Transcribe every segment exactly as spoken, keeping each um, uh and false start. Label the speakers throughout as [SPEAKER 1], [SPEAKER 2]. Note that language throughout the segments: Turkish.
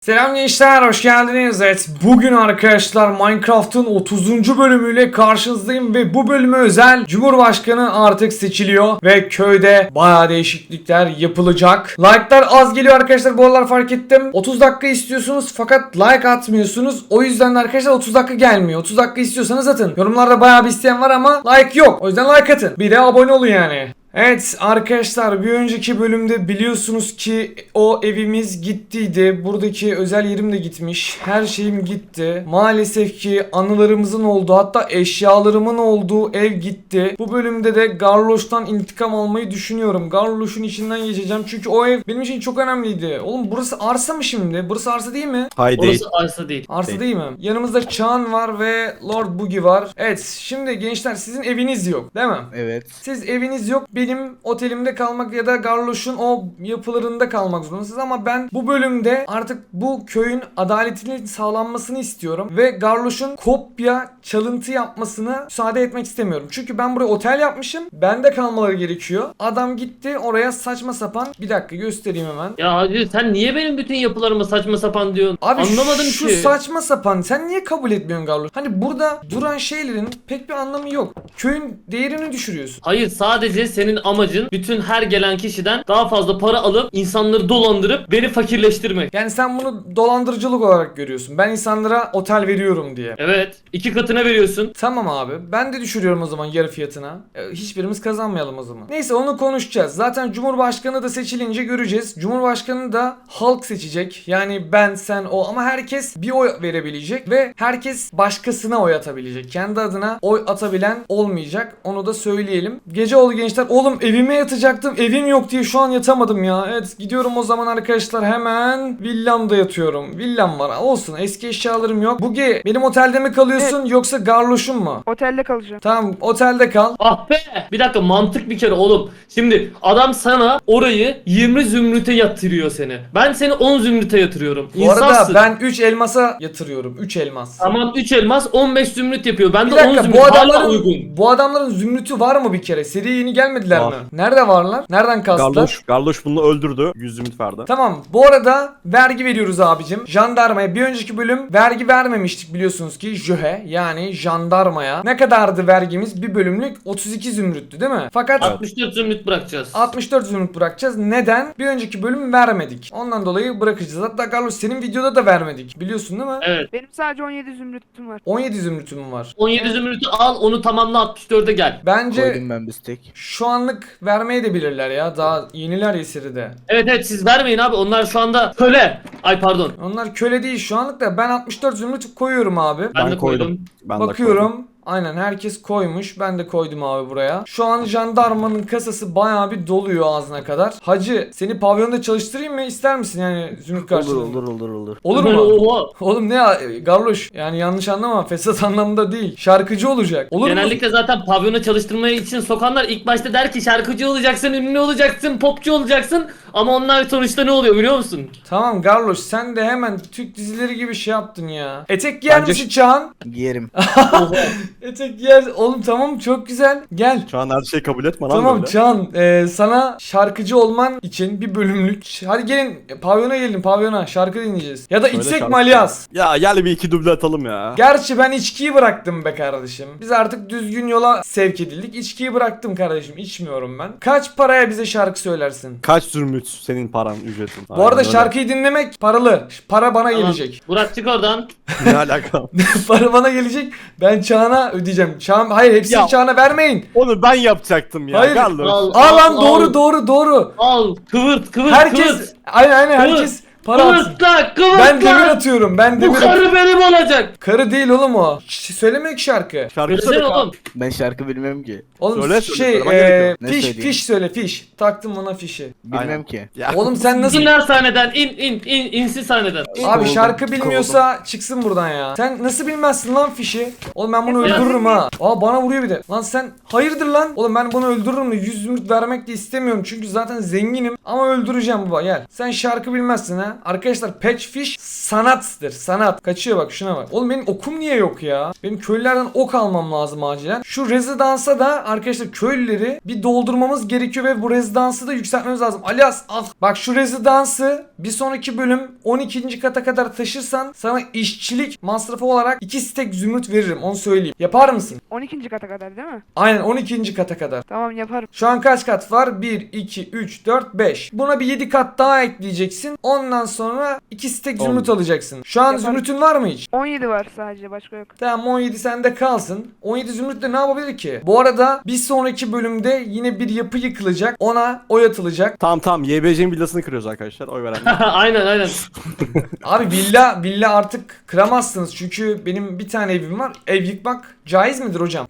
[SPEAKER 1] Selam gençler, hoş geldiniz. Evet, bugün arkadaşlar Minecraft'ın otuzuncu bölümüyle karşınızdayım ve bu bölüme özel Cumhurbaşkanı artık seçiliyor ve köyde bayağı değişiklikler yapılacak. Like'lar az geliyor arkadaşlar, bu aralar fark ettim. otuz dakika istiyorsunuz fakat like atmıyorsunuz. O yüzden de arkadaşlar otuz dakika gelmiyor. otuz dakika istiyorsanız atın. Yorumlarda bayağı bir isteyen var ama like yok. O yüzden like atın. Bir de abone olun yani. Evet arkadaşlar, bir önceki bölümde biliyorsunuz ki o evimiz gittiydi. Buradaki özel yerim de gitmiş. Her şeyim gitti. Maalesef ki anılarımızın olduğu, hatta eşyalarımın olduğu ev gitti. Bu bölümde de Garloş'tan intikam almayı düşünüyorum. Garloş'un içinden geçeceğim çünkü o ev benim için çok önemliydi. Oğlum burası arsa mı şimdi? Burası arsa değil mi?
[SPEAKER 2] Hayır değil.
[SPEAKER 3] Orası arsa değil.
[SPEAKER 1] Arsa
[SPEAKER 2] Değil.
[SPEAKER 1] değil mi? Yanımızda Çağan var ve Lord Boogie var. Evet, şimdi gençler sizin eviniz yok değil mi?
[SPEAKER 2] Evet.
[SPEAKER 1] Siz eviniz yok, benim otelimde kalmak ya da Garloş'un o yapılarında kalmak zorundasınız ama ben bu bölümde artık bu köyün adaletinin sağlanmasını istiyorum ve Garloş'un kopya çalıntı yapmasını müsaade etmek istemiyorum. Çünkü ben buraya otel yapmışım, bende kalmaları gerekiyor. Adam gitti oraya saçma sapan, bir dakika göstereyim hemen.
[SPEAKER 3] Ya hacı sen niye benim bütün yapılarıma saçma sapan diyorsun?
[SPEAKER 1] Abi
[SPEAKER 3] Anlamadım
[SPEAKER 1] şu
[SPEAKER 3] ki.
[SPEAKER 1] saçma sapan, sen niye kabul etmiyorsun Garloş? Hani burada duran şeylerin pek bir anlamı yok. Köyün değerini düşürüyorsun.
[SPEAKER 3] Hayır, sadece senin amacın bütün her gelen kişiden daha fazla para alıp insanları dolandırıp beni fakirleştirmek.
[SPEAKER 1] Yani sen bunu dolandırıcılık olarak görüyorsun. Ben insanlara otel veriyorum diye.
[SPEAKER 3] Evet, iki katına veriyorsun.
[SPEAKER 1] Tamam abi. Ben de düşürüyorum o zaman yarı fiyatına. E, hiçbirimiz kazanmayalım o zaman. Neyse, onu konuşacağız. Zaten Cumhurbaşkanı da seçilince göreceğiz. Cumhurbaşkanı da halk seçecek. Yani ben, sen, o, ama herkes bir oy verebilecek ve herkes başkasına oy atabilecek. Kendi adına oy atabilen olmayacak. Onu da söyleyelim. Gece oldu gençler. Oğlum evime yatacaktım. Evim yok diye şu an yatamadım ya. Evet, gidiyorum o zaman arkadaşlar, hemen villamda yatıyorum. Villam var. Olsun, eski eşyalarım yok. Bugi, benim otelde mi kalıyorsun yoksa Garloş'un mu?
[SPEAKER 4] Otelde kalacağım.
[SPEAKER 1] Tamam, otelde kal.
[SPEAKER 3] Ah be! Bir dakika, mantık bir kere oğlum. Şimdi adam sana orayı yirmi zümrüte yatırıyor seni. Ben seni on zümrüte yatırıyorum.
[SPEAKER 1] Bu arada
[SPEAKER 3] İnsafsın.
[SPEAKER 1] ben üç elmasa yatırıyorum. üç elmas.
[SPEAKER 3] Tamam, üç elmas on beş zümrüt yapıyor. Ben
[SPEAKER 1] Bir
[SPEAKER 3] de on
[SPEAKER 1] dakika,
[SPEAKER 3] zümrüt
[SPEAKER 1] bu
[SPEAKER 3] hala
[SPEAKER 1] adamların
[SPEAKER 3] uygun.
[SPEAKER 1] bu adamların zümrütü var mı bir kere? Seriye yeni gelmediler
[SPEAKER 2] Var.
[SPEAKER 1] mi? Nerede varlar? Nereden kastılar?
[SPEAKER 2] Garloş, Garloş bunu öldürdü. yüz zümrüt verdi.
[SPEAKER 1] Tamam. Bu arada vergi veriyoruz abicim. Jandarmaya bir önceki bölüm vergi vermemiştik biliyorsunuz ki, jöhe yani jandarmaya. Ne kadardı vergimiz? Bir bölümlük otuz iki zümrüttü değil mi? Fakat
[SPEAKER 3] altmış dört zümrüt bırakacağız.
[SPEAKER 1] altmış dört zümrüt bırakacağız. Neden? Bir önceki bölüm vermedik. Ondan dolayı bırakacağız. Hatta Carlos, senin videoda da vermedik. Biliyorsun değil mi?
[SPEAKER 3] Evet.
[SPEAKER 4] Benim sadece on yedi zümrütüm var.
[SPEAKER 1] on yedi zümrütüm var.
[SPEAKER 3] on yedi zümrütü al, onu tamamla, altmış dörde gel.
[SPEAKER 1] Bence
[SPEAKER 2] Koydum ben bir stek.
[SPEAKER 1] şu anlık vermeye de bilirler ya. Daha yeniler ya seride.
[SPEAKER 3] Evet evet, siz vermeyin abi, onlar şu anda köle. Ay pardon.
[SPEAKER 1] Onlar köle değil şu anlık da, ben altmış dört zümrüt koyuyorum abi.
[SPEAKER 3] Ben,
[SPEAKER 2] Ben
[SPEAKER 3] de koydum.
[SPEAKER 2] koydum. Ben de koydum.
[SPEAKER 1] Bakıyorum. Aynen, herkes koymuş. Ben de koydum abi buraya. Şu an jandarmanın kasası bayağı bir doluyor ağzına kadar. Hacı, seni pavyonda çalıştırayım mı? İster misin yani zümrüt
[SPEAKER 2] Olur
[SPEAKER 1] karşılığında?
[SPEAKER 2] olur olur olur.
[SPEAKER 1] Olur
[SPEAKER 3] Ben-
[SPEAKER 1] mu?
[SPEAKER 3] Oha.
[SPEAKER 1] Oğlum ne ya Garloş, yani yanlış anlama, fesat anlamda değil. Şarkıcı olacak. Olur mu?
[SPEAKER 3] Genellikle zaten pavyona çalıştırmaya için sokanlar ilk başta der ki şarkıcı olacaksın, ünlü olacaksın, popçu olacaksın. Ama onlar sonuçta ne oluyor biliyor musun?
[SPEAKER 1] Tamam Garloş, sen de hemen Türk dizileri gibi şey yaptın ya. Etek giyer
[SPEAKER 2] Bence-
[SPEAKER 1] misin Çağan?
[SPEAKER 2] Giyerim.
[SPEAKER 3] Oha.
[SPEAKER 1] Etek giyer. Oğlum tamam, çok güzel. Gel.
[SPEAKER 2] Şu an her şeyi kabul etme lan
[SPEAKER 1] Tamam
[SPEAKER 2] böyle.
[SPEAKER 1] Çağan, e, sana şarkıcı olman için bir bölümlük. Hadi gelin e, pavyona gelin, pavyona şarkı dinleyeceğiz. Ya da
[SPEAKER 2] Söyle
[SPEAKER 1] içsek
[SPEAKER 2] şarkı.
[SPEAKER 1] mi Alias?
[SPEAKER 2] Ya gel bir iki duble atalım ya.
[SPEAKER 1] Gerçi ben içkiyi bıraktım be kardeşim. Biz artık düzgün yola sevk edildik. İçkiyi bıraktım kardeşim. İçmiyorum ben. Kaç paraya bize şarkı söylersin?
[SPEAKER 2] Kaç zümrüt senin paran, ücretin?
[SPEAKER 1] Bu arada şarkıyı dinlemek paralı. Para bana
[SPEAKER 3] Tamam.
[SPEAKER 1] gelecek.
[SPEAKER 3] Burak çık oradan.
[SPEAKER 2] Ne alaka?
[SPEAKER 1] Para bana gelecek. Ben Çağan'a ödeyeceğim. Çağan, hayır, hepsini
[SPEAKER 2] Ya.
[SPEAKER 1] Çağan'a vermeyin.
[SPEAKER 2] Onu ben yapacaktım ya.
[SPEAKER 1] Hayır.
[SPEAKER 2] Garloş.
[SPEAKER 3] Al,
[SPEAKER 1] Aa lan,
[SPEAKER 3] al,
[SPEAKER 1] doğru
[SPEAKER 3] al.
[SPEAKER 1] doğru doğru.
[SPEAKER 3] Al kıvırt kıvırt
[SPEAKER 1] Herkes
[SPEAKER 3] kıvırt.
[SPEAKER 1] aynen aynen
[SPEAKER 3] Kıvırt.
[SPEAKER 1] herkes para atsın.
[SPEAKER 3] Kıvırt lan kıvırt
[SPEAKER 1] Ben demir
[SPEAKER 3] lan.
[SPEAKER 1] atıyorum. Ben
[SPEAKER 3] Bu
[SPEAKER 1] demir atıyorum.
[SPEAKER 3] karı benim olacak.
[SPEAKER 1] Karı değil oğlum o. Ş- söylemiyor ki şarkı.
[SPEAKER 2] Şarkı
[SPEAKER 3] Söylesene
[SPEAKER 2] söyle.
[SPEAKER 3] oğlum.
[SPEAKER 5] Ben şarkı bilmem ki.
[SPEAKER 1] Oğlum
[SPEAKER 2] Söyle, söyle,
[SPEAKER 1] şey
[SPEAKER 2] söylemen
[SPEAKER 1] eee
[SPEAKER 2] gerekiyor.
[SPEAKER 5] Ne
[SPEAKER 1] fiş
[SPEAKER 5] söyleyeyim?
[SPEAKER 1] fiş söyle, fiş. Taktım ona fişi.
[SPEAKER 5] Bilmem
[SPEAKER 2] Aynen.
[SPEAKER 5] ki.
[SPEAKER 2] Ya.
[SPEAKER 1] Oğlum sen nasıl...
[SPEAKER 3] İn lan sahneden, in in in insin sahneden.
[SPEAKER 1] Abi
[SPEAKER 5] Kovuldum,
[SPEAKER 1] şarkı bilmiyorsa çıksın buradan ya. Sen nasıl bilmezsin lan fişi? Oğlum ben bunu
[SPEAKER 3] Ya
[SPEAKER 1] öldürürüm ha. Aa, bana vuruyor bir de. Lan sen hayırdır lan? Oğlum ben bunu öldürürüm de yüz zümrüt vermek de istemiyorum. Çünkü zaten zenginim. Ama öldüreceğim baba, gel. Sen şarkı bilmezsin ha. ya. Arkadaşlar Patchfish sanattır. Sanat. Kaçıyor bak, şuna bak. Oğlum benim okum niye yok ya? Benim köylülerden ok almam lazım acilen. Şu rezidansa da arkadaşlar köylüleri bir doldurmamız gerekiyor ve bu rezidansı da yükseltmemiz lazım. Alias al. Bak şu rezidansı bir sonraki bölüm on ikinci kata kadar taşırsan sana işçilik masrafı olarak iki stek zümrüt veririm. Onu söyleyeyim. Yapar mısın?
[SPEAKER 4] on ikinci kata kadar değil mi?
[SPEAKER 1] Aynen on ikinci kata kadar.
[SPEAKER 4] Tamam yaparım.
[SPEAKER 1] Şu an kaç kat var? bir, iki, üç, dört, beş. Buna bir yedi kat daha ekleyeceksin. Ondan sonra iki stek zümrüt
[SPEAKER 2] On.
[SPEAKER 1] alacaksın. Şu an
[SPEAKER 4] Yaparım.
[SPEAKER 1] zümrütün var mı hiç?
[SPEAKER 4] on yedi var sadece, başka yok.
[SPEAKER 1] Tamam, on yedi sende kalsın. on yedi zümrütle ne yapabilir ki? Bu arada bir sonraki bölümde yine bir yapı yıkılacak. Ona oy atılacak.
[SPEAKER 2] Tamam tamam Y B C'nin villasını kırıyoruz arkadaşlar. Oy verenler.
[SPEAKER 3] aynen aynen.
[SPEAKER 1] Abi villa villa artık kıramazsınız. Çünkü benim bir tane evim var. Ev yıkmak caiz midir hocam?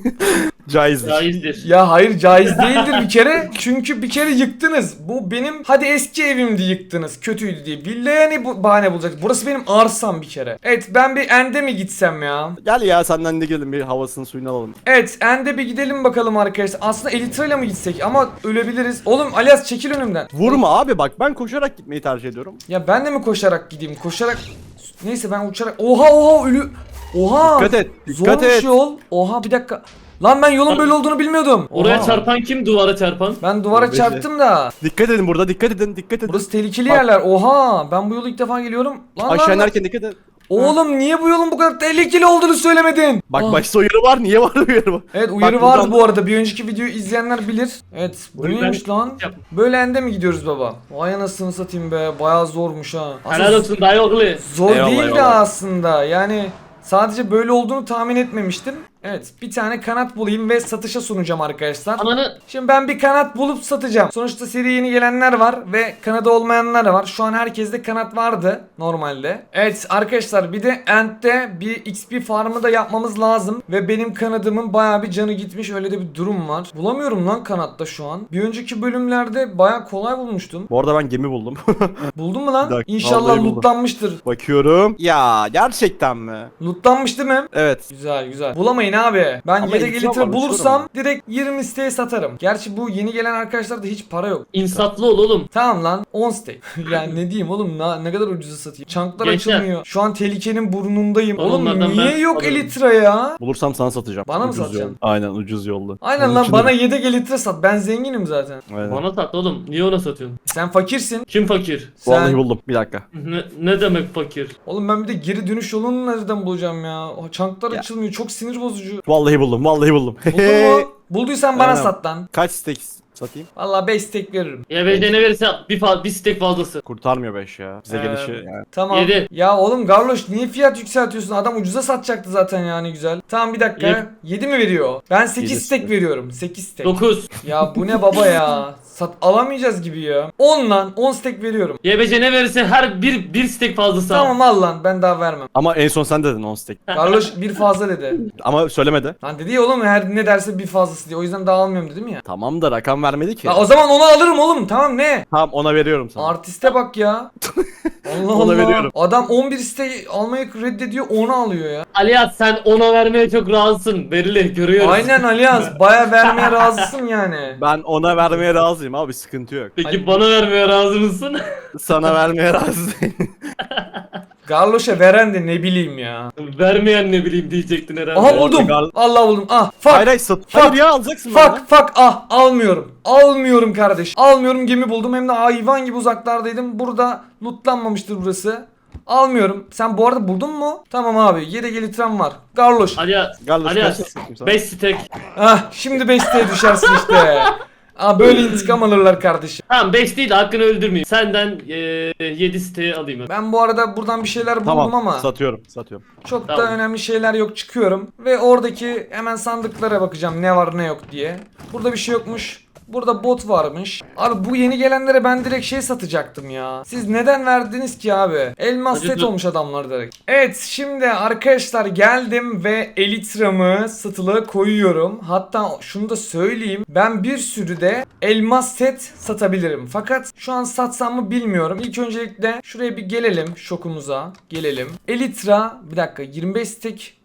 [SPEAKER 2] Caizdir.
[SPEAKER 3] Caizdir.
[SPEAKER 1] Ya hayır, caiz değildir bir kere. Çünkü bir kere yıktınız. Bu benim hadi eski evimdi, yıktınız. Kötüydü diye. Villaya ne bu bahane bulacak? Burası benim arsam bir kere. Evet, ben bir End'e mi gitsem ya?
[SPEAKER 2] Gel ya senden de gelin bir havasını suyunu alalım.
[SPEAKER 1] Evet, End'e bir gidelim bakalım arkadaşlar. Aslında Elytra'yla mı gitsek ama ölebiliriz. Oğlum Alias çekil önümden.
[SPEAKER 2] Vurma abi bak ben koşarak gitmeyi tercih ediyorum.
[SPEAKER 1] Ya ben de mi koşarak gideyim? Koşarak... Neyse ben uçarak... Oha oha ölü... Oha!
[SPEAKER 2] Dikkat et. Dikkat
[SPEAKER 1] Zormuş
[SPEAKER 2] et.
[SPEAKER 1] yol. Oha bir dakika. Lan ben yolun böyle olduğunu bilmiyordum.
[SPEAKER 3] Oraya
[SPEAKER 1] Oha.
[SPEAKER 3] çarpan kim? Duvara çarpan.
[SPEAKER 1] Ben duvara
[SPEAKER 2] Beşe.
[SPEAKER 1] çarptım da.
[SPEAKER 2] Dikkat edin burada dikkat edin dikkat edin.
[SPEAKER 1] Burası tehlikeli
[SPEAKER 2] Bak.
[SPEAKER 1] yerler. Oha! Ben bu yolu ilk defa geliyorum. Lan
[SPEAKER 2] Aşağı
[SPEAKER 1] lan, lan.
[SPEAKER 2] inerken dikkat edin.
[SPEAKER 1] Oğlum niye bu yolun bu kadar tehlikeli olduğunu söylemedin?
[SPEAKER 2] Bak
[SPEAKER 1] Ah.
[SPEAKER 2] başta uyarı var niye var uyarı var?
[SPEAKER 1] Evet, uyarı
[SPEAKER 2] Bak,
[SPEAKER 1] vardı
[SPEAKER 2] buradan-
[SPEAKER 1] bu arada. Bir önceki videoyu izleyenler bilir. Evet, bu
[SPEAKER 3] Buyur,
[SPEAKER 1] neymiş
[SPEAKER 3] ben-
[SPEAKER 1] lan?
[SPEAKER 3] Yap.
[SPEAKER 1] Böyle ende mi gidiyoruz baba? Vay anasını satayım be. Bayağı zormuş ha. Aslında
[SPEAKER 3] Helal olsun dayı oğlu.
[SPEAKER 1] zor
[SPEAKER 2] Eyvallah,
[SPEAKER 1] değil de
[SPEAKER 2] eyvallah.
[SPEAKER 1] aslında. Yani sadece böyle olduğunu tahmin etmemiştim. Evet, bir tane kanat bulayım ve satışa sunacağım arkadaşlar.
[SPEAKER 3] Ananı
[SPEAKER 1] Şimdi ben bir kanat bulup satacağım. Sonuçta seri yeni gelenler var ve kanadı olmayanlar var. Şu an herkeste kanat vardı normalde. Evet arkadaşlar, bir de End'de bir X P farmı da yapmamız lazım. Ve benim kanadımın bayağı bir canı gitmiş, öyle de bir durum var. Bulamıyorum lan kanatta şu an. Bir önceki bölümlerde bayağı kolay bulmuştum.
[SPEAKER 2] Bu arada ben gemi buldum.
[SPEAKER 1] Buldun mu
[SPEAKER 2] Bir
[SPEAKER 1] lan?
[SPEAKER 2] dakika,
[SPEAKER 1] İnşallah
[SPEAKER 2] vallahi buldum.
[SPEAKER 1] lootlanmıştır.
[SPEAKER 2] Bakıyorum. Ya gerçekten mi?
[SPEAKER 1] Lootlanmış değil mi?
[SPEAKER 2] Evet.
[SPEAKER 1] Güzel güzel. Bulamayın abi. Ben
[SPEAKER 2] Ama
[SPEAKER 1] yedek
[SPEAKER 2] elitra
[SPEAKER 1] elitre
[SPEAKER 2] varmış,
[SPEAKER 1] bulursam
[SPEAKER 2] sorun
[SPEAKER 1] direkt yirmi siteye satarım. Gerçi bu yeni gelen arkadaşlarda hiç para yok.
[SPEAKER 3] insatlı ol oğlum.
[SPEAKER 1] Tamam lan, on stake. Yani ne diyeyim oğlum, ne, ne kadar ucuza satayım. Çanklar
[SPEAKER 3] Gençler.
[SPEAKER 1] açılmıyor. Şu an tehlikenin burnundayım. Oğlum
[SPEAKER 3] Onlardan
[SPEAKER 1] niye
[SPEAKER 3] ben
[SPEAKER 1] yok
[SPEAKER 3] alırım.
[SPEAKER 1] Elytra ya?
[SPEAKER 2] Bulursam sana satacağım.
[SPEAKER 1] Bana mı
[SPEAKER 2] Ucuz
[SPEAKER 1] satacaksın?
[SPEAKER 2] yolda. Aynen ucuz yolda.
[SPEAKER 1] Aynen
[SPEAKER 2] Onun
[SPEAKER 1] lan,
[SPEAKER 2] için
[SPEAKER 1] bana
[SPEAKER 2] de-
[SPEAKER 1] yedek Elytra sat. Ben zenginim zaten.
[SPEAKER 2] Aynen.
[SPEAKER 3] Bana sat oğlum. Niye ona satıyorsun?
[SPEAKER 1] Sen fakirsin.
[SPEAKER 3] Kim fakir?
[SPEAKER 2] Vallahi
[SPEAKER 1] Sen...
[SPEAKER 2] buldum. Bir dakika.
[SPEAKER 3] Ne, ne demek fakir?
[SPEAKER 1] Oğlum ben bir de geri dönüş yolunu nereden bulacağım ya? O çanklar
[SPEAKER 2] Ya.
[SPEAKER 1] açılmıyor. Çok sinir bozucu.
[SPEAKER 2] Vallahi buldum. Vallahi buldum.
[SPEAKER 1] Buldun mu? Bulduysan bana
[SPEAKER 2] Aynen.
[SPEAKER 1] sat lan.
[SPEAKER 2] Kaç steak satayım?
[SPEAKER 1] Valla beş stake veririm.
[SPEAKER 3] Ya ve ne verirse bir, fa- bir stek fazlası.
[SPEAKER 2] Kurtarmıyor beş ya. Bize
[SPEAKER 1] Ee,
[SPEAKER 2] gelişi yani.
[SPEAKER 1] Tamam.
[SPEAKER 3] Yedi.
[SPEAKER 1] Ya oğlum Garloş niye fiyat yükseltiyorsun? Adam ucuza satacaktı zaten yani, güzel. Tamam bir dakika.
[SPEAKER 3] Yedi.
[SPEAKER 1] yedi mi veriyor? Ben sekiz
[SPEAKER 2] Yedi.
[SPEAKER 1] stek veriyorum. sekiz stek.
[SPEAKER 3] dokuz.
[SPEAKER 1] Ya bu ne baba ya? Sat alamayacağız gibi ya. on lan, on stek veriyorum.
[SPEAKER 3] Y B C ne verirse her bir bir stek fazlası al.
[SPEAKER 1] Tamam al lan, ben daha vermem.
[SPEAKER 2] Ama en son sen dedin on steak.
[SPEAKER 1] Garloş bir fazla dedi.
[SPEAKER 2] Ama söylemedi.
[SPEAKER 1] Lan dedi ya oğlum, her ne derse bir fazlası diye. O yüzden daha almıyorum dedim ya.
[SPEAKER 2] Tamam da rakam vermedi ki.
[SPEAKER 1] La o zaman onu alırım oğlum. Tamam ne?
[SPEAKER 2] Tamam ona veriyorum sana.
[SPEAKER 1] Artiste bak ya. Allah
[SPEAKER 2] Ona
[SPEAKER 1] Allah.
[SPEAKER 2] veriyorum.
[SPEAKER 1] Adam on bir stek almayı reddediyor, onu alıyor ya.
[SPEAKER 3] Alias sen ona vermeye çok razısın. Verili görüyoruz.
[SPEAKER 1] Aynen Alias, baya vermeye razısın yani.
[SPEAKER 2] Ben ona vermeye razıyım abi sıkıntı yok.
[SPEAKER 3] Peki
[SPEAKER 1] Ali-
[SPEAKER 3] bana vermeye razı mısın?
[SPEAKER 2] Sana vermeye razıyım.
[SPEAKER 1] Garloş'a veren de ne bileyim ya.
[SPEAKER 3] Vermeyen ne bileyim diyecektin herhalde.
[SPEAKER 1] Aha buldum.
[SPEAKER 2] Gar-
[SPEAKER 1] Allah buldum. Ah fuck.
[SPEAKER 2] Hayır hayır sat.
[SPEAKER 1] Fuck.
[SPEAKER 2] Hayır ya alacaksın benden.
[SPEAKER 1] Fuck fuck ah almıyorum. Almıyorum kardeş. Almıyorum, gemi buldum. Hem de hayvan gibi uzaklardaydım. Burada lootlanmamıştır burası. Almıyorum. Sen bu arada buldun mu? Tamam abi. Yedek elitram var. Garloş.
[SPEAKER 3] Alias.
[SPEAKER 2] Garloş
[SPEAKER 3] Alias.
[SPEAKER 2] kaç satayım sana?
[SPEAKER 3] beş stek.
[SPEAKER 1] Ah şimdi beş siteye düşersin işte. Aa böyle intikam alırlar kardeşim.
[SPEAKER 3] Tamam beş değil de hakkını öldürmeyeyim. Senden yedi siteyi alayım. hadi.
[SPEAKER 1] Ben bu arada buradan bir şeyler buldum
[SPEAKER 2] Tamam
[SPEAKER 1] ama
[SPEAKER 2] satıyorum satıyorum.
[SPEAKER 1] çok da
[SPEAKER 3] Tamam.
[SPEAKER 1] önemli şeyler yok, çıkıyorum. Ve oradaki hemen sandıklara bakacağım ne var ne yok diye. Burada bir şey yokmuş. Burada bot varmış. Abi bu yeni gelenlere ben direkt şey satacaktım ya. Siz neden verdiniz ki abi? Elmas
[SPEAKER 3] Hadi
[SPEAKER 1] set
[SPEAKER 3] dur.
[SPEAKER 1] olmuş adamlar direkt. Evet şimdi arkadaşlar geldim ve elitramı satılığa koyuyorum. Hatta şunu da söyleyeyim. Ben bir sürü de elmas set satabilirim. Fakat şu an satsam mı bilmiyorum. İlk öncelikle şuraya bir gelelim, şokumuza gelelim. Elitra bir dakika yirmi beş stek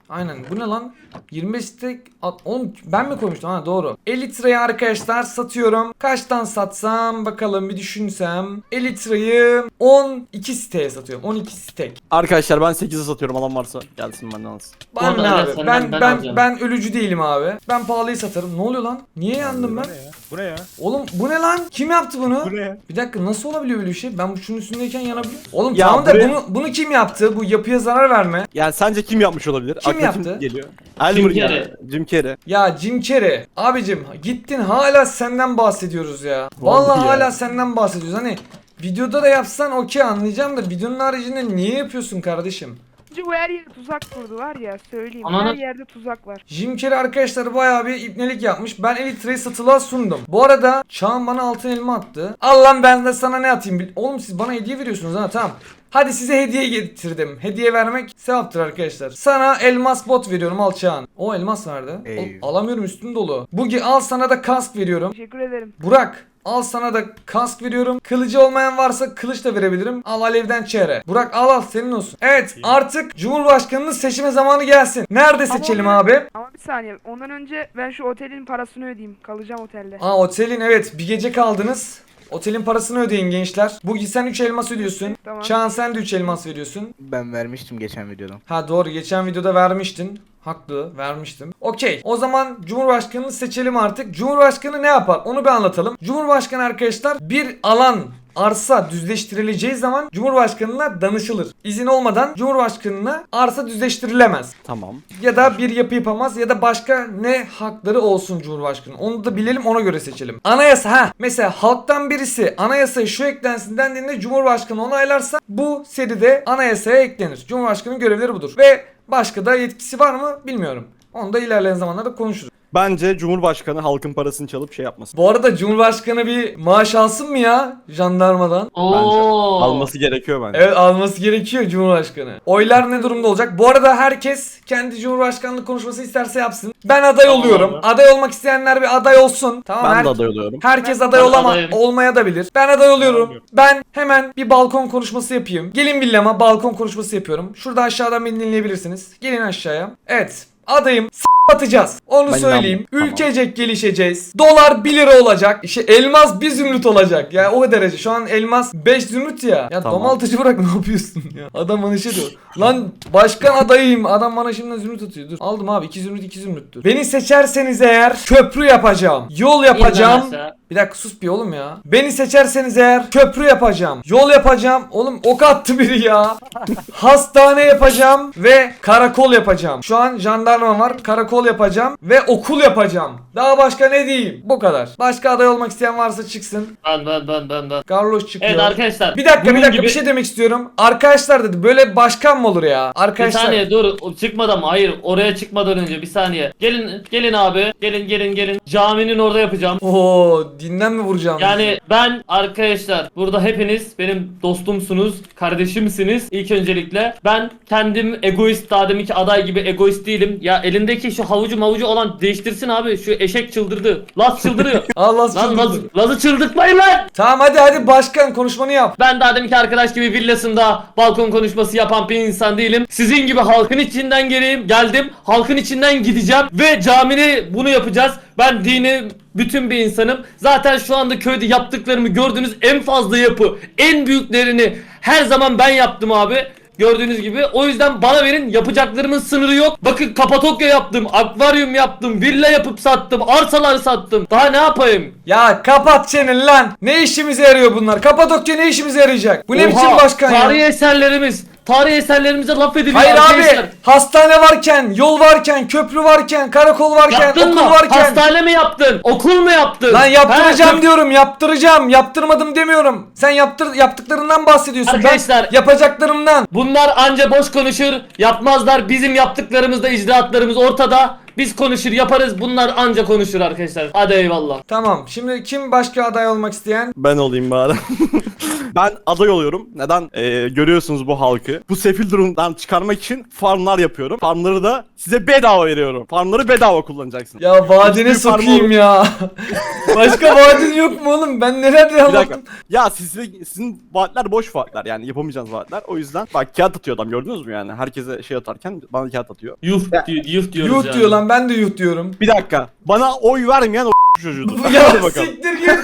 [SPEAKER 1] Aynen. Bu ne lan? yirmi beş stek. At- Oğlum ben mi koymuştum? Ha doğru. Elytra'yı arkadaşlar satıyorum. Kaçtan satsam bakalım bir düşünsem. Elytra'yı on iki siteye satıyorum. on iki stek.
[SPEAKER 2] Arkadaşlar ben sekize satıyorum, alan varsa gelsin benden alsın.
[SPEAKER 1] Ben
[SPEAKER 3] Orada
[SPEAKER 1] ne
[SPEAKER 3] evet,
[SPEAKER 1] abi?
[SPEAKER 3] senden
[SPEAKER 1] Ben
[SPEAKER 3] ben
[SPEAKER 1] ben
[SPEAKER 3] alacağım.
[SPEAKER 1] ben ölücü değilim abi. Ben pahalıyı satarım. Ne oluyor lan? Niye yandım ben?
[SPEAKER 2] Bu ne ya? Bu ne ya?
[SPEAKER 1] Oğlum bu ne lan? Kim yaptı bunu?
[SPEAKER 2] Bu ne ya?
[SPEAKER 1] Bir dakika nasıl olabiliyor böyle bir şey? Ben bu şunun üstündeyken yanabiliyor. Oğlum
[SPEAKER 2] Ya
[SPEAKER 1] tamam da
[SPEAKER 2] buraya-
[SPEAKER 1] bunu bunu kim yaptı? Bu yapıya zarar verme.
[SPEAKER 2] Yani sence kim yapmış olabilir?
[SPEAKER 1] Kim
[SPEAKER 2] Aklına
[SPEAKER 1] yaptı?
[SPEAKER 2] geliyor? Elmer
[SPEAKER 3] Jim
[SPEAKER 2] ya.
[SPEAKER 3] Carrey.
[SPEAKER 2] Jim Carrey.
[SPEAKER 1] Ya Jim Carrey abicim gittin hala senden bahsediyoruz ya. Vallahi,
[SPEAKER 2] Vallahi ya.
[SPEAKER 1] hala senden bahsediyoruz. Hani videoda da yapsan okey anlayacağım da videonun haricinde niye yapıyorsun kardeşim?
[SPEAKER 4] Çünkü bu her yere tuzak kurdu var ya söyleyeyim.
[SPEAKER 3] Ananı-
[SPEAKER 4] Her yerde tuzak var.
[SPEAKER 1] Jim Carrey arkadaşlar bayağı bir ipnelik yapmış. Ben Elytra'yı satılığa sundum. Bu arada Çağan bana altın elma attı. Al lan ben de sana ne atayım? bil- Oğlum siz bana hediye veriyorsunuz ha tamam. Hadi size hediye getirdim. Hediye vermek sevaptır arkadaşlar. Sana elmas bot veriyorum al Çağan. O elmas verdi.
[SPEAKER 2] Eyvah.
[SPEAKER 1] Oğlum, alamıyorum üstüm dolu. Bugi al sana da kask veriyorum.
[SPEAKER 4] Teşekkür ederim.
[SPEAKER 1] Burak al sana da kask veriyorum. Kılıcı olmayan varsa kılıç da verebilirim. Al alevden çeyre. Burak al al senin olsun. Evet artık Cumhurbaşkanının seçime zamanı gelsin. Nerede
[SPEAKER 4] Ama
[SPEAKER 1] seçelim
[SPEAKER 4] onu-
[SPEAKER 1] abi?
[SPEAKER 4] Ama bir saniye ondan önce ben şu otelin parasını ödeyeyim. Kalacağım otelde.
[SPEAKER 1] Aa otelin evet bir gece kaldınız. Otelin parasını ödeyin gençler. Bugi sen üç elmas ödüyorsun.
[SPEAKER 4] Tamam.
[SPEAKER 1] Çağan sen de üç elmas veriyorsun.
[SPEAKER 5] Ben vermiştim geçen videoda.
[SPEAKER 1] Ha doğru geçen videoda vermiştin. Haklı vermiştim. Okey o zaman Cumhurbaşkanını seçelim artık. Cumhurbaşkanı ne yapar onu bir anlatalım. Cumhurbaşkanı arkadaşlar bir alan arsa düzleştirileceği zaman Cumhurbaşkanına danışılır. İzin olmadan Cumhurbaşkanına arsa düzleştirilemez.
[SPEAKER 2] Tamam.
[SPEAKER 1] Ya da bir yapı yapamaz ya da başka ne hakları olsun Cumhurbaşkanı. Onu da bilelim ona göre seçelim. Anayasa ha mesela halktan birisi anayasaya şu eklensin dendiğinde Cumhurbaşkanı onaylarsa bu seride anayasaya eklenir. Cumhurbaşkanının görevleri budur. Ve başka da yetkisi var mı bilmiyorum. Onu da ilerleyen zamanlarda konuşuruz.
[SPEAKER 2] Bence Cumhurbaşkanı halkın parasını çalıp şey yapmasın.
[SPEAKER 1] Bu arada Cumhurbaşkanı bir maaş alsın mı ya jandarmadan?
[SPEAKER 3] Oo.
[SPEAKER 2] Alması gerekiyor bence.
[SPEAKER 1] Evet alması gerekiyor Cumhurbaşkanı. Oylar ne durumda olacak? Bu arada herkes kendi Cumhurbaşkanlık konuşması isterse yapsın. Ben aday
[SPEAKER 3] Tamam
[SPEAKER 1] oluyorum.
[SPEAKER 3] abi.
[SPEAKER 1] Aday olmak isteyenler bir aday olsun. Tamam
[SPEAKER 2] Ben
[SPEAKER 1] her-
[SPEAKER 2] de aday oluyorum.
[SPEAKER 1] Herkes aday
[SPEAKER 3] Ben
[SPEAKER 1] olama
[SPEAKER 3] adayım.
[SPEAKER 1] olmaya da bilir. Ben aday oluyorum. Ben hemen bir balkon konuşması yapayım. Gelin villama balkon konuşması yapıyorum. Şurada aşağıdan beni dinleyebilirsiniz. Gelin aşağıya. Evet. Adayım. S- atacağız. Onu
[SPEAKER 2] Ben
[SPEAKER 1] söyleyeyim.
[SPEAKER 2] inanmıyorum.
[SPEAKER 1] Ülkecek gelişeceğiz. Dolar bir lira olacak. İşte elmas bir zümrüt olacak. Ya o derece. Şu an elmas beş zümrüt ya. Ya
[SPEAKER 2] Tamam.
[SPEAKER 1] domaltıcı bırak ne yapıyorsun ya? Adam bana şey diyor. Lan başkan adayım. Adam bana şimdi zümrüt atıyor. Dur. Aldım abi. iki zümrüt iki zümrüttür. Beni seçerseniz eğer köprü yapacağım. Yol yapacağım.
[SPEAKER 3] İn lan aşağı.
[SPEAKER 1] Bir dakika sus bir oğlum ya. Beni seçerseniz eğer köprü yapacağım. Yol yapacağım. Oğlum ok attı biri ya. Hastane yapacağım ve karakol yapacağım. Şu an jandarma var. Karakol yapacağım ve okul yapacağım. Daha başka ne diyeyim? Bu kadar. Başka aday olmak isteyen varsa çıksın.
[SPEAKER 3] Ben ben ben ben ben.
[SPEAKER 1] Carlos çıkıyor.
[SPEAKER 3] Evet arkadaşlar.
[SPEAKER 1] Bir dakika
[SPEAKER 3] bunun
[SPEAKER 1] bir dakika
[SPEAKER 3] gibi-
[SPEAKER 1] bir şey demek istiyorum. Arkadaşlar dedi böyle başkan mı olur ya?
[SPEAKER 3] Bir
[SPEAKER 1] Arkadaşlar.
[SPEAKER 3] saniye dur o çıkmadan mı? Hayır oraya çıkmadan önce bir saniye. Gelin gelin abi. Gelin gelin gelin. Caminin orada yapacağım.
[SPEAKER 1] Oo dinden mi vuracağım?
[SPEAKER 3] Yani ben arkadaşlar burada hepiniz benim dostumsunuz, kardeşimsiniz ilk öncelikle. Ben kendim egoist daha deminki aday gibi egoist değilim. Ya elindeki şu havucu mavucu olan değiştirsin abi. Şu eşek çıldırdı. Laz çıldırıyor.
[SPEAKER 1] Allah
[SPEAKER 3] Lan
[SPEAKER 1] çıldırdı.
[SPEAKER 3] Laz, Laz'ı çıldırtmayın lan.
[SPEAKER 1] Tamam hadi hadi başkan konuşmanı yap.
[SPEAKER 3] Ben daha deminki arkadaş gibi villasında balkon konuşması yapan bir insan değilim. Sizin gibi halkın içinden geleyim, geldim. Halkın içinden gideceğim ve camini bunu yapacağız. Ben dini bütün bir insanım. Zaten şu anda köyde yaptıklarımı gördüğünüz en fazla yapı, en büyüklerini her zaman ben yaptım abi. Gördüğünüz gibi. O yüzden bana verin, yapacaklarımın sınırı yok. Bakın Kapadokya yaptım, akvaryum yaptım, villa yapıp sattım, arsalar sattım. Daha ne yapayım?
[SPEAKER 1] Ya kapat çeneni lan. Ne işimize yarıyor bunlar? Kapadokya ne işimize yarayacak? Bu ne
[SPEAKER 3] Oha,
[SPEAKER 1] biçim başkan
[SPEAKER 3] tarihi
[SPEAKER 1] ya?
[SPEAKER 3] eserlerimiz, tarihi eserlerimize laf ediliyor
[SPEAKER 1] Hayır
[SPEAKER 3] arkadaşlar.
[SPEAKER 1] abi. Hastane varken, yol varken, köprü varken, karakol varken,
[SPEAKER 3] Yaptın
[SPEAKER 1] okul
[SPEAKER 3] mı?
[SPEAKER 1] varken.
[SPEAKER 3] Hastane mi yaptın? Okul mu yaptın?
[SPEAKER 1] Lan yaptıracağım
[SPEAKER 3] Ha,
[SPEAKER 1] diyorum, yaptıracağım. Yaptırmadım demiyorum. Sen yaptır yaptıklarından bahsediyorsun.
[SPEAKER 3] Arkadaşlar-
[SPEAKER 1] Ben yapacaklarımdan.
[SPEAKER 3] Bunlar anca boş konuşur, yapmazlar. Bizim yaptıklarımızda icraatlarımız ortada. Biz konuşur, yaparız. Bunlar anca konuşur arkadaşlar. Hadi eyvallah.
[SPEAKER 1] Tamam. Şimdi kim başka aday olmak isteyen?
[SPEAKER 2] Ben olayım bari. Ben aday oluyorum. Neden? Ee, görüyorsunuz bu halkı. Bu sefil durumdan çıkarmak için farmlar yapıyorum. Farmları da size bedava veriyorum. Farmları bedava kullanacaksınız.
[SPEAKER 1] Ya vadine
[SPEAKER 2] Hiçbir farm
[SPEAKER 1] sokayım
[SPEAKER 2] olur.
[SPEAKER 1] ya. Başka vadin yok mu oğlum? Ben nerede
[SPEAKER 2] Bir dakika.
[SPEAKER 1] anlattım?
[SPEAKER 2] Ya siz, sizin vaatler boş vaatler yani yapamayacağınız vaatler. O yüzden bak kağıt atıyor adam gördünüz mü yani? Herkese şey atarken bana kağıt atıyor.
[SPEAKER 3] Yuh diyor, yuh diyoruz
[SPEAKER 1] Yuh
[SPEAKER 3] yani.
[SPEAKER 1] diyor lan, ben de yuh diyorum.
[SPEAKER 2] Bir dakika. Bana oy vermeyen o çocuğudur.
[SPEAKER 1] Ya
[SPEAKER 2] Hadi bakalım.
[SPEAKER 1] siktir git.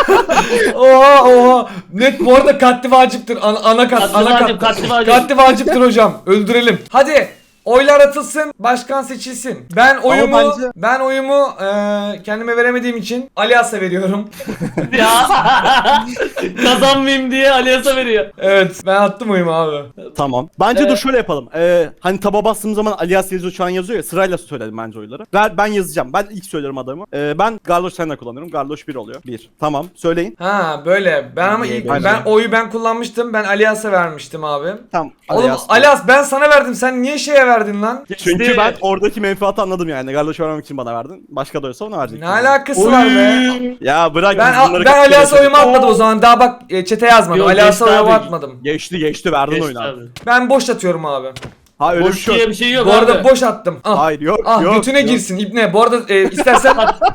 [SPEAKER 1] Oha oha. Net bu arada katli vaciptir. Ana, ana kat,
[SPEAKER 3] Katli
[SPEAKER 1] ana
[SPEAKER 3] vacip,
[SPEAKER 1] kat.
[SPEAKER 3] katli vacip.
[SPEAKER 1] Katli vaciptir hocam. Öldürelim. Hadi. Oylar atılsın, başkan seçilsin. Ben oyumu
[SPEAKER 2] bence-
[SPEAKER 1] ben oyumu eee, kendime veremediğim için Alias'a veriyorum.
[SPEAKER 3] Ya kazanmayayım diye Alias'a veriyor.
[SPEAKER 1] Evet, ben attım oyumu abi.
[SPEAKER 2] Tamam. Bence
[SPEAKER 3] Evet.
[SPEAKER 2] dur şöyle yapalım. Ee, hani taba bastığım zaman alias yazıyor şu an yazıyor ya sırayla söyledim bence oyları. Ben, ben yazacağım. Ben ilk söylerim adamı. Ee, ben Garloş senle kullanıyorum. Garloş bir oluyor. bir. Tamam. Söyleyin.
[SPEAKER 1] Ha böyle. Ben ama ilk
[SPEAKER 2] Bence.
[SPEAKER 1] ben oyu ben kullanmıştım. Ben Alias'a vermiştim abi.
[SPEAKER 2] Tamam.
[SPEAKER 1] Oğlum
[SPEAKER 2] Alias.
[SPEAKER 1] Alias ben sana verdim. Sen niye şeye verdin lan?
[SPEAKER 2] Çünkü
[SPEAKER 3] İşte-
[SPEAKER 2] ben oradaki menfaati anladım yani. Garloş vermemek için bana verdin. Başka da olsa ona verecektim.
[SPEAKER 1] Ne alakası var be?
[SPEAKER 2] Ya bırak
[SPEAKER 1] Ben
[SPEAKER 2] biz bunları
[SPEAKER 1] ben
[SPEAKER 2] kaç kere
[SPEAKER 1] Alias'a oyumu
[SPEAKER 2] yaşadık.
[SPEAKER 1] atmadım o zaman. Daha bak e, çete yazmadım.
[SPEAKER 3] Yok,
[SPEAKER 1] Alias'a
[SPEAKER 3] geçti
[SPEAKER 1] oyumu
[SPEAKER 3] abi.
[SPEAKER 1] atmadım.
[SPEAKER 2] Geçti geçti verdin
[SPEAKER 3] Geçti
[SPEAKER 2] oyunu abi.
[SPEAKER 3] abi.
[SPEAKER 1] Ben boş atıyorum abi.
[SPEAKER 2] Ha öyle bir
[SPEAKER 3] Boş
[SPEAKER 2] şey
[SPEAKER 3] diye
[SPEAKER 2] yok.
[SPEAKER 3] bir şey yok
[SPEAKER 1] Bu arada
[SPEAKER 3] abi.
[SPEAKER 1] boş attım. Ah.
[SPEAKER 2] Hayır yok
[SPEAKER 1] Ah
[SPEAKER 2] yok.
[SPEAKER 1] götüne
[SPEAKER 2] yok.
[SPEAKER 1] girsin İbne. Bu arada e, istersen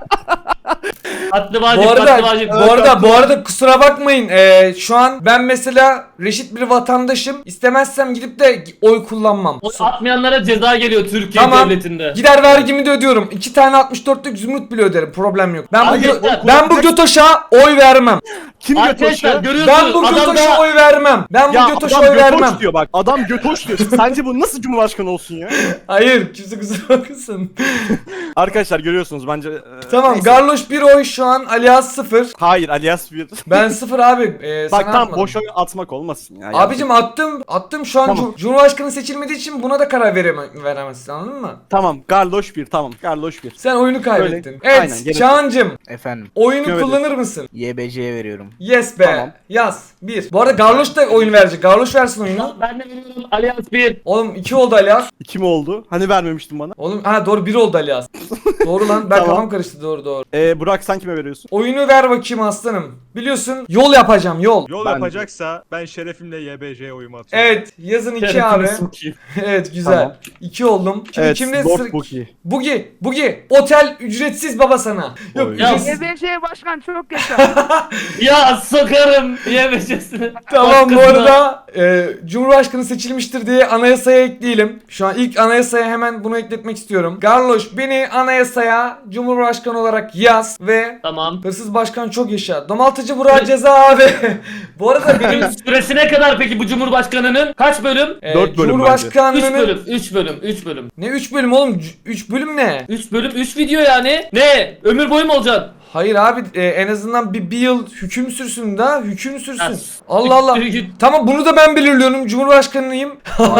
[SPEAKER 3] Katli vacip,
[SPEAKER 1] bu arada
[SPEAKER 3] katli vacip.
[SPEAKER 1] bu arada bu arada kusura bakmayın. E, şu an ben mesela reşit bir vatandaşım. İstemezsem gidip de oy kullanmam.
[SPEAKER 3] O atmayanlara ceza geliyor Türkiye
[SPEAKER 1] Tamam.
[SPEAKER 3] devletinde.
[SPEAKER 1] Gider vergimi de ödüyorum. İki tane altmış dörtlük zümrüt bile öderim. Problem yok. Ben bu
[SPEAKER 3] Abi,
[SPEAKER 1] gö-
[SPEAKER 3] oy
[SPEAKER 1] ben bu götoşa oy vermem.
[SPEAKER 2] Kim
[SPEAKER 3] Arkadaşlar
[SPEAKER 2] götoşuyor?
[SPEAKER 3] görüyorsunuz
[SPEAKER 1] Ben bu
[SPEAKER 3] adam
[SPEAKER 1] götoşa
[SPEAKER 3] da
[SPEAKER 1] oy vermem. Ben bu
[SPEAKER 2] Ya
[SPEAKER 1] götoşa
[SPEAKER 2] adam
[SPEAKER 1] oy
[SPEAKER 2] götoş
[SPEAKER 1] vermem.
[SPEAKER 2] diyor bak. Adam götoş diyor. Sence bu nasıl cumhurbaşkanı olsun ya?
[SPEAKER 1] Hayır, kimse kusura bakmasın.
[SPEAKER 2] Arkadaşlar görüyorsunuz bence. e,
[SPEAKER 1] Tamam,
[SPEAKER 2] neyse.
[SPEAKER 1] Garloş bir oy şu an, Alias sıfır.
[SPEAKER 2] Hayır alias bir.
[SPEAKER 1] Ben sıfır abi. Ee,
[SPEAKER 2] Bak
[SPEAKER 1] sana
[SPEAKER 2] tam
[SPEAKER 1] atmadım.
[SPEAKER 2] boş oy atmak olmasın ya.
[SPEAKER 1] Abicim attım. Attım şu an
[SPEAKER 2] Tamam.
[SPEAKER 1] Cum- Cumhurbaşkanı seçilmediği için buna da karar vereme- veremezsin, anladın mı?
[SPEAKER 2] Tamam Garloş bir tamam. Garloş bir.
[SPEAKER 1] Sen oyunu kaybettin.
[SPEAKER 2] Öyle.
[SPEAKER 1] Evet,
[SPEAKER 2] Aynen, gerek
[SPEAKER 1] Çağancım
[SPEAKER 5] Efendim,
[SPEAKER 1] oyunu
[SPEAKER 2] Gömelim.
[SPEAKER 1] kullanır mısın?
[SPEAKER 5] Y B C'ye veriyorum.
[SPEAKER 1] Yes be.
[SPEAKER 2] Tamam.
[SPEAKER 1] Yaz. Bir. Bu arada Garloş da oyun verecek. Garloş versin oyunu.
[SPEAKER 3] ben de veriyorum Allianz bir.
[SPEAKER 1] Oğlum iki oldu Alias.
[SPEAKER 2] İki mi oldu? Hani vermemiştin bana.
[SPEAKER 1] Oğlum ha doğru bir oldu Alias. Doğru lan, ben
[SPEAKER 2] Tamam.
[SPEAKER 1] kafam karıştı, doğru doğru.
[SPEAKER 2] Ee, Burak sen kime veriyorsun?
[SPEAKER 1] Oyunu ver bakayım aslanım. Biliyorsun yol yapacağım, yol.
[SPEAKER 6] Yol
[SPEAKER 2] Ben-
[SPEAKER 6] yapacaksa ben şerefimle Y B C'ye oyumu atıyorum.
[SPEAKER 1] Evet, yazın iki
[SPEAKER 3] Şerefini
[SPEAKER 1] abi.
[SPEAKER 3] sokayım.
[SPEAKER 1] Evet, güzel.
[SPEAKER 2] Tamam.
[SPEAKER 1] İki oldum. Şimdi
[SPEAKER 2] Evet,
[SPEAKER 1] kimde
[SPEAKER 2] Lord
[SPEAKER 1] sıra-
[SPEAKER 2] Buki.
[SPEAKER 1] Bugi, Bugi. Otel ücretsiz baba sana. Yok,
[SPEAKER 2] Oy.
[SPEAKER 3] Ya,
[SPEAKER 1] ücretsiz.
[SPEAKER 4] Y B C başkan çok yaşa.
[SPEAKER 3] Ya sokarım yemeyeceksin.
[SPEAKER 1] Tamam, bu arada e, Cumhurbaşkanı seçilmiştir diye anayasaya ekleyelim. Şu an ilk anayasaya hemen bunu ekletmek istiyorum. Garloş beni anayasaya Cumhurbaşkanı olarak yaz ve
[SPEAKER 3] Tamam.
[SPEAKER 1] hırsız başkan çok yaşa. Domaltıcı Burak ceza abi. Bu arada benim
[SPEAKER 3] Benim süresi ne kadar peki bu Cumhurbaşkanı'nın? Kaç bölüm?
[SPEAKER 1] e,
[SPEAKER 2] Dört bölüm
[SPEAKER 3] üç
[SPEAKER 1] Cumhurbaşkanlığının
[SPEAKER 3] bölüm, üç bölüm, üç bölüm.
[SPEAKER 1] ne üç bölüm oğlum? üç bölüm ne?
[SPEAKER 3] üç bölüm, üç video yani. Ne? Ömür boyu mu olacaksın?
[SPEAKER 1] Hayır abi, e, en azından bir, bir yıl hüküm sürsün da hüküm sürsün.
[SPEAKER 3] Ya,
[SPEAKER 1] Allah Allah. Tamam, bunu da ben belirliyorum. Cumhurbaşkanıyım.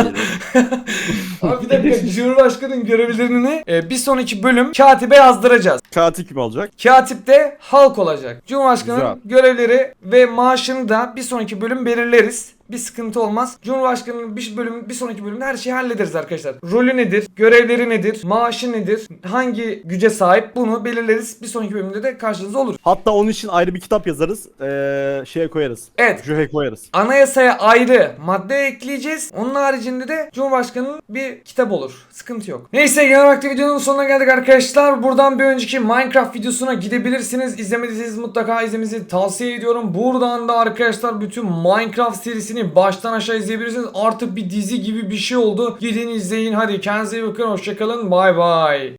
[SPEAKER 1] Abi bir dakika, Cumhurbaşkanının görevlerini e, bir sonraki bölüm katibe yazdıracağız.
[SPEAKER 2] Katil kim olacak?
[SPEAKER 1] Katip de halk olacak. Cumhurbaşkanının
[SPEAKER 2] Güzel.
[SPEAKER 1] görevleri ve maaşını da bir sonraki bölüm belirleriz. Bir sıkıntı olmaz. Cumhurbaşkanının bir bölüm bir sonraki bölümde her şeyi hallederiz arkadaşlar. Rolü nedir? Görevleri nedir? Maaşı nedir? Hangi güce sahip? Bunu belirleriz. Bir sonraki bölümde de karşınızda olur.
[SPEAKER 2] Hatta onun için ayrı bir kitap yazarız. Ee, şeye koyarız.
[SPEAKER 1] Evet.
[SPEAKER 2] Juhe koyarız.
[SPEAKER 1] Anayasaya ayrı madde ekleyeceğiz. Onun haricinde de Cumhurbaşkanı'nın bir kitap olur. Sıkıntı yok. Neyse, genel olarak da videonun sonuna geldik arkadaşlar. Buradan bir önceki Minecraft videosuna gidebilirsiniz. İzlemediyseniz mutlaka izlemenizi tavsiye ediyorum. Buradan da arkadaşlar bütün Minecraft serisini baştan aşağı izleyebilirsiniz. Artık bir dizi gibi bir şey oldu. Gidin izleyin. Hadi kendinize iyi bakın. Hoşçakalın. Bay bay.